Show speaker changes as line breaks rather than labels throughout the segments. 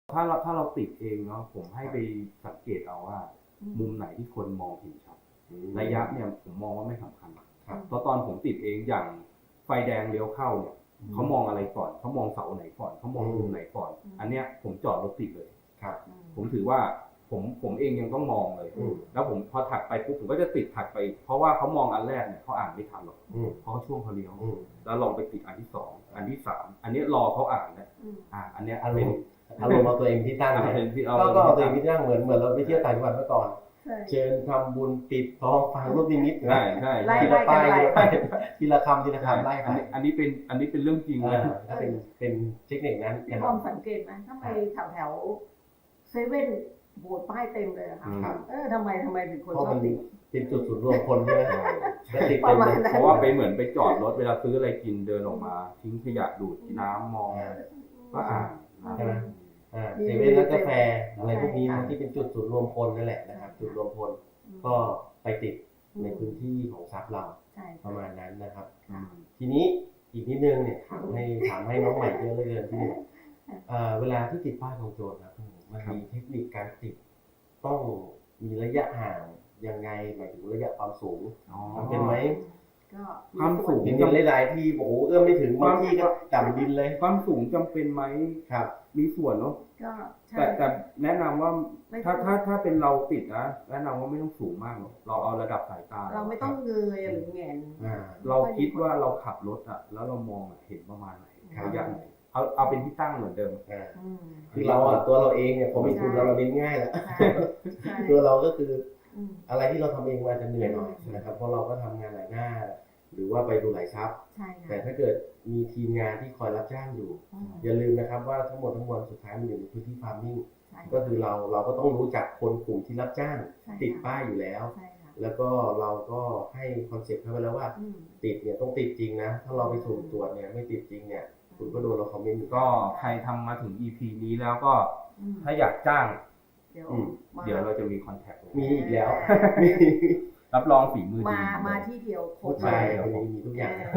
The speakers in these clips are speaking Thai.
ถ้าเราติดเองเนาะผมให้ไปสังเกตเอาว่ามุมไหนที่คนมองเห็นชัดระยะเนี่ยผมมองว่าไม่สำคัญเพราะตอนผมติดเองอย่างไฟแดงเลี้ยวเข้าเนี่ยเขามองอะไรก่อนเขามองเสาไหนก่อนเขามองมุมไหนก่อนอันเนี้ยผมจอดรถติดเลยครับผมถือว่าผมเองยังต้องมองเลยแล้วผมพอถัดไปปุ๊บผมก็จะติดถัดไปเพราะว่าเขามองอันแรกเนี่ยเขาอ่านไม่ทันหรอกเพราะเขาช่วงเขาเลี้ยวแล้วลองไปติดอันที่2อันที่3อันนี้รอเขาอ่านนะอันเนี้ย
อารมณ์เอาตัวเองที่ตั้งก็เอาตัวเองที่ตั้งเหมือนเราไปเที่ยวต่างจังหวัดเมื่อก่อนเชิญทำบุญปิดทองฟังรูปนิมิต
ใช่
ทีละป้ายทีละคำไล่ไป
อันนี้เป็นเรื่องจริงเลย
ถ้าเป็นเทคนิคนั้น
พี่บอมสังเกตไหมถ้าไปแถวเซเว่นโบสป้ายเต็มเลยค่ะทำไมถึงคนชอบติด
เป็นจุดศูนย์รวมคนใช่ไหมติดเต็มเลย
เพราะว่าไปเหมือนไปจอดรถเวลาซื้ออะไรกินเดินออกมาทิ้งขยะดูดน้ำมองก็
ใช่ไหมเซเว่นร้านกาแฟอะไรพวกนี้ที่เป็นจุดศูนย์รวมคนนั่นแหละนะครับจุดรวมคนก็ไปติดในพื้นที่ของทรัพย์เราประมาณนั้นนะครับทีนี้อีกนิดนึงเนี่ยถามให้น้องใหม่เยอะเลยที่นี่เวลาที่ติดป้ายของโจรครับมันมีเทคนิคการติดต้องมีระยะห่างยังไงหมายถึงระยะความสูงเป็นไหม
ความสูง
จำหลายที่โอ้เอื้อมไม่ถึงบางที่ก็ต่ำดินเลย
ความสูงจำเป็นไหม
ครับ
มีส่วนเนาะแต่แนะนำว่าถ้าเป็นเราติดนะแนะนำว่าไม่ต้องสูงมากหรอกเราเอาระดับสายตา
เราไม่ต้องเงยหรือแงน
เราคิดว่าเราขับรถแล้วเรามองเห็นประมาณไหนระยะไหนเอาเป็นที่ตั้งเหมือนเดิม
คือเราตัวเราเองเนี่ยพอมีทุนเราเน้นง่ายแหละตัวเราก็คืออะไรที่เราทำเองมันจะเหนื่อยหน่อยนะครับเพราะเราก็ทำงานหลายหน้าหรือว่าไปดูหลายซับแต่ถ้าเกิดมีทีมงานที่คอยรับจ้างอยู่อย่าลืมนะครับว่าทั้งหมดทั้งมวลสุดท้ายมันอยู่ในพื้นที่ฟาร์มมิ่งก็คือเราก็ต้องรู้จักคนกลุ่มที่รับจ้างติดป้ายอยู่แล้วแล้วก็เราก็ให้คอนเซ็ปต์เขาไปแล้วว่าติดเนี่ยต้องติดจริงนะถ้าเราไปสุ่มตรวจเนี่ยไม่ติดจริงเนี่ยคุณก็โดนเราคอมเมนต์
ก็ใครทำมาถึง EP นี้แล้วก็ถ้าอยากจ้างเดี๋ยวเราจะมีคอนแทค
มีอีกแล้ว
รับรองฝีมือดี
มาที่เดียวครบ
ใช่มีทุกอย่างได้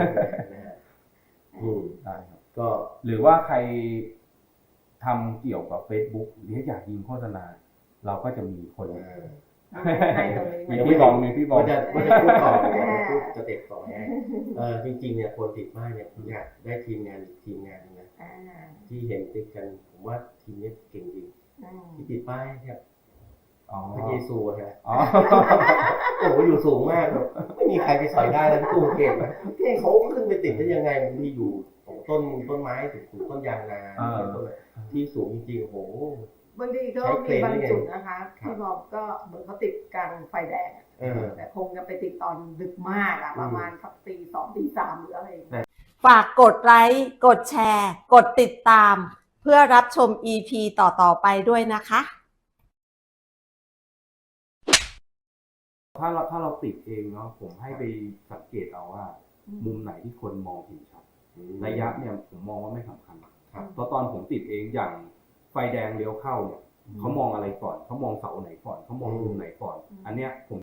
ครับก็หรือว่าใครทำเกี่ยวกับ Facebook หรืออยากยิงโฆษณาเราก็จะมีคนมีพี่บอม
จะพูดต่อพูดจะเต็กต่อให้จริงๆเนี่ยคนติดมากเนี่ยผมอยากได้ทีมงานนะที่เห็นติดกันผมว่าทีมนี้เก่งจริงที่ติดป้ายครับพระเยซูฮะโอ้โหอยู่สูงมากไม่มีใครไปสอยได้แล้วตู้เก่งนะเขาขึ้นไปติดได้ยังไงมันมีอยู่ต้นไม้ถึงต้นยางนาที่สูงจริงๆโอ้โห
บางทีก็มีบางจุดนะคะที่บอกก็เหมือนเขาติดกลางไฟแดงแต่คงจะไปติดตอนดึกมากประมาณสักตี2ตี3หรืออะไร
ฝากกดไลค์กดแชร์กดติดตามเพื่อรับชม EP ต่อไปด้วยนะคะ
ถ้าเราติดเองเนาะผมให้ไปสังเกตเอาว่ามุมไหนที่คนมองเห็นชัดระยะเนี่ยผมมองว่าไม่สำคัญเพราะตอนผมติดเองอย่างไฟแดงเลี้ยวเข้าเนี่ยเขามองอะไรก่อนเขามองเสาไหนก่อนเขามองมุมไหนก่อนอันเนี้ยผม